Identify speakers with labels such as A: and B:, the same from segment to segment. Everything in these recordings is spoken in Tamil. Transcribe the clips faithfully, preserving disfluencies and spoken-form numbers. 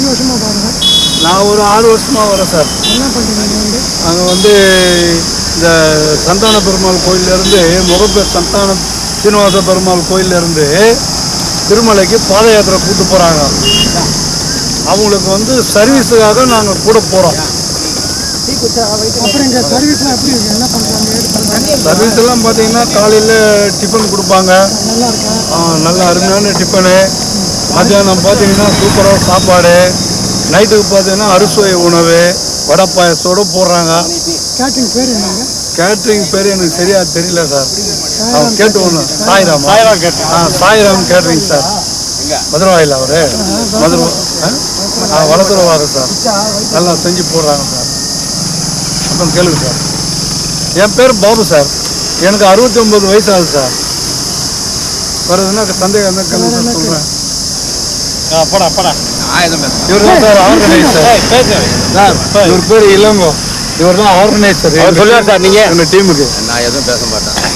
A: வருஷமாக பாருங்க?
B: நான் ஒரு ஆறு வருஷமாக வரேன் சார்.
A: என்ன பண்ணுறீங்க வந்து?
B: அங்கே வந்து இந்த சந்தான பெருமாள் கோயிலேருந்து முகப்பேர் சந்தான சீனிவாச பெருமாள் கோயிலேருந்து திருமலைக்கு பாத யாத்திரை கூட்டு போகிறாங்க. அவங்களுக்கு வந்து சர்வீஸுக்காக நாங்கள் கூட போகிறோம்.
A: அப்புறம் இங்கே சர்வீஸ்லாம் எப்படி இருக்கு? என்ன பண்ணுறாங்க, ஏது பண்ணுறாங்க?
B: சர்வீஸ் எல்லாம் பார்த்தீங்கன்னா காலையில் டிஃபன் கொடுப்பாங்க.
A: நல்லா இருக்கா?
B: நல்ல அருமையான டிஃபனு. மத்தியானம் பார்த்தீங்கன்னா சூப்பராக சாப்பாடு. நைட்டுக்கு பார்த்தீங்கன்னா அறுசுவை உணவு வடை பாயசத்தோடு போடுறாங்க.
A: கேட்ரிங் பேர் என்னங்க?
B: கேட்ரிங் பேர் எனக்கு சரியாக தெரியல சார். அவங்க கேட்டு ஒன்று சாய்ராம் சாய்ராம் கேட்ரிங். ஆ சாய்ராம் கேட்ரிங் சார். மதுரவாயில் அவர் மதுரை ஆ வளர்த்துருவாரு சார். நல்லா செஞ்சு போடுறாங்க சார். அப்புறம் கேளுங்க சார். என் பேர் பாபு சார். எனக்கு அறுபத்தி ஒம்பது வயசு ஆகுது சார். வருதுன்னா சந்தேகம் தான் கேளுங்க சொல்கிறேன். படா படா இவர் தான் சார் ஆர்கனைசர் சார். இவர் பேர் இளங்கோ. இவர் தான் ஆர்கனைசர். சொல்லுவார் சார். நீங்கள் எங்கள் டீமுக்கு
C: நான் எதுவும் பேச மாட்டேன்.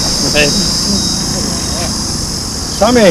B: சாமி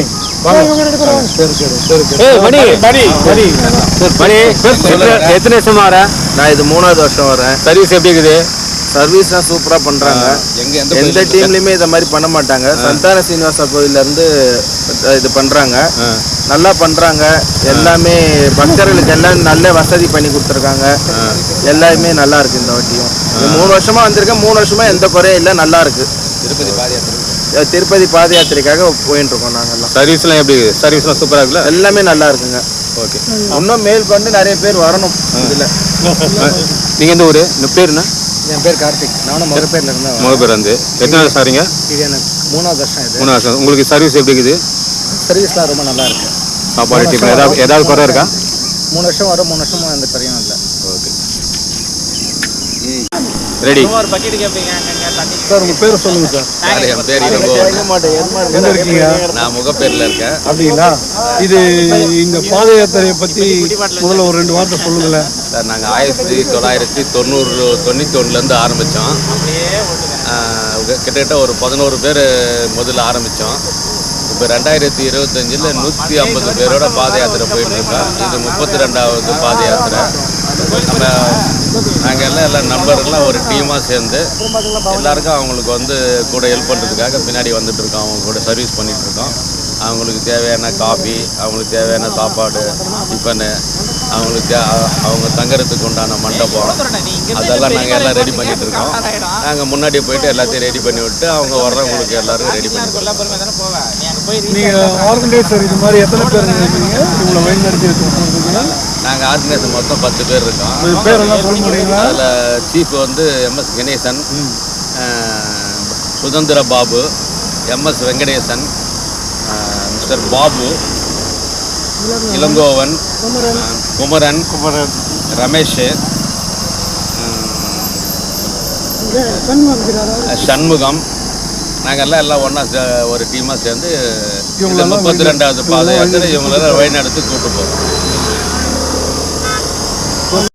C: எத்தனை வருஷமா வரேன்? நான் இது மூணாவது வருஷம் வரேன்.
B: சர்வீஸ் எப்படி இருக்குது?
C: சர்வீஸ்லாம் சூப்பராக பண்ணுறாங்க. எந்த டீம்லையுமே இதை மாதிரி பண்ண மாட்டாங்க. சந்தான சீனிவாச கோயிலேருந்து இது பண்ணுறாங்க. நல்லா பண்ணுறாங்க. எல்லாமே பக்தர்களுக்கு எல்லாம் நல்ல வசதி பண்ணி கொடுத்துருக்காங்க. எல்லாமே நல்லா இருக்குது. இந்த வாட்டியும் மூணு வருஷமாக வந்திருக்கேன். மூணு வருஷமாக எந்த குறையும் இல்லை. நல்லா இருக்குது. திருப்பதி பாத யாத்திரை திருப்பதி பாத யாத்திரைக்காக போயிட்டு இருக்கோம். நாங்கள்லாம்
B: சர்வீஸ்லாம் எப்படி இருக்குது? சர்வீஸ்லாம் சூப்பராக இருக்குல்ல?
C: எல்லாமே நல்லா இருக்குங்க. ஓகே. இன்னும் மேல் கொண்டு நிறைய பேர் வரணும் இதில்.
B: நீங்கள் எந்த ஊர்? இந்த பேருண்ணா?
C: என் பேர் கார்த்திக். நானும் முகப்பேரில் இருந்தேன்.
B: முகப்பேர் வந்து எத்தனை வருஷம் சாரிங்க?
C: இது எனக்கு மூணாவது வருஷம். இது
B: மூணு வருஷம். உங்களுக்கு சர்வீஸ் எப்படி இருக்குது?
C: சர்வீஸ்லாம் ரொம்ப நல்லா இருக்கு.
B: சாப்பாடு டிஃபன் ஏதாவது ஏதாவது குறை இருக்கா?
C: மூணு வருஷம் வரும். மூணு வருஷமும் எந்த குறையும் இல்லை. ஓகே
B: ரெடி
D: ஒரு பக்கெட் கேட்பீங்க
B: சார். உங்கள் பேர் சொல்லுங்கள் சார்.
C: சார் என் பேர் இளங்கோ.
B: எங்கே இருக்கீங்க?
C: நான் முகப்பேரில் இருக்கேன்.
B: அப்படிங்களா? இது இந்த பாத யாத்திரையை பற்றி முதல்ல ஒரு ரெண்டு வார்த்தை சொல்லுங்களேன்
C: சார். நாங்கள் ஆயிரத்தி தொள்ளாயிரத்தி தொண்ணூறு தொண்ணூற்றி ஒன்றுலேருந்து ஆரம்பித்தோம். கிட்டத்தட்ட ஒரு பதினோரு பேர் முதல்ல ஆரம்பித்தோம். இப்போ ரெண்டாயிரத்தி இருபத்தஞ்சில் நூற்றி ஐம்பது பேரோட பாத யாத்திரை போயிட்டு இருக்கோம். இது முப்பத்தி ரெண்டாவது பாத யாத்திரை. நம்ம நாங்கள் எல்லாம் எல்லாம் நண்பர்கள்லாம் ஒரு டீமாக சேர்ந்து எல்லாருக்கும் அவங்களுக்கு வந்து கூட ஹெல்ப் பண்ணுறதுக்காக பின்னாடி வந்துட்டு இருக்கோம். அவங்க கூட சர்வீஸ் பண்ணிகிட்டு இருக்கோம். அவங்களுக்கு தேவையான காஃபி, அவங்களுக்கு தேவையான சாப்பாடு, டிஃபனு, அவங்களுக்கு தே அவங்க தங்குறதுக்கு உண்டான மண்டபம், அதெல்லாம் நாங்கள் எல்லாம் ரெடி பண்ணிகிட்டு இருக்கோம். நாங்கள் முன்னாடி போயிட்டு எல்லாத்தையும் ரெடி பண்ணி விட்டு அவங்க வர்றவங்களுக்கு எல்லாரும் ரெடி பண்ணி.
B: நீங்கள் ஆர்கனைசர் இது மாதிரி எத்தனை பேர் இருக்கீங்க? இவங்களை வழிநடத்தி வச்சுருக்கீங்க?
C: நாங்கள் ஆர்கனைசர் மொத்தம் பத்து பேர் இருக்கோம்.
B: பேரெல்லாம் சொல்ல முடியுங்களா?
C: அதில் சீஃப் வந்து MS Ganesan, Suthanthira Babu, MS Venkatesan, mister Babu, Ilangovan, Kumaran, Kumaran Ramesh, Shanmugam. நாங்கள் எல்லாம் எல்லாம் ஒன்றா ஒரு டீமாக சேர்ந்து முப்பத்தி ரெண்டாவது பாத யாத்திரை இவங்களெல்லாம் வழிநடத்தி கூப்பிட்டு போகிறோம்.